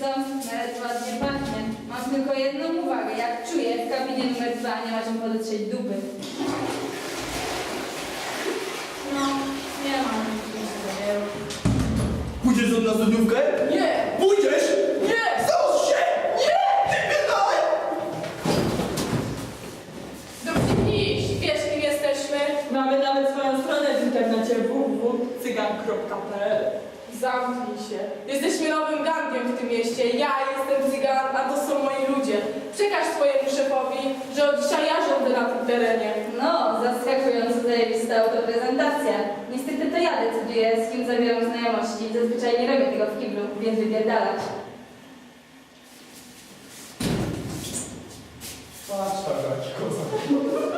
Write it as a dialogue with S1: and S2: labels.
S1: co? Nawet ładnie pachnie. Mam tylko jedną uwagę. Jak czuję, w kabinie numer 2 nie ma czym podetrzeć dupy.
S2: No, nie mam nic do wielu.
S3: Pójdziesz ze mną na studniówkę?
S2: Nie!
S3: Pójdziesz?
S2: Nie!
S3: Załóż się! Nie! Ty pierdolę!
S2: Dopnij, wiesz kim jesteśmy?
S4: Mamy nawet swoją stronę w internecie www.cygan.pl.
S2: Zamknij się. Jesteśmy nowym gangiem w tym mieście. Ja jestem cygan, a to są moi ludzie. Przekaż swojemu szefowi, że od dzisiaj ja rządzę na tym terenie.
S1: No, zaskakująco zajebista autoprezentacja. Niestety to ja decyduję, z kim zawieram znajomości. Zazwyczaj nie robię tego w kiblu, więc wypierdalać.
S3: Patrz, taka koza.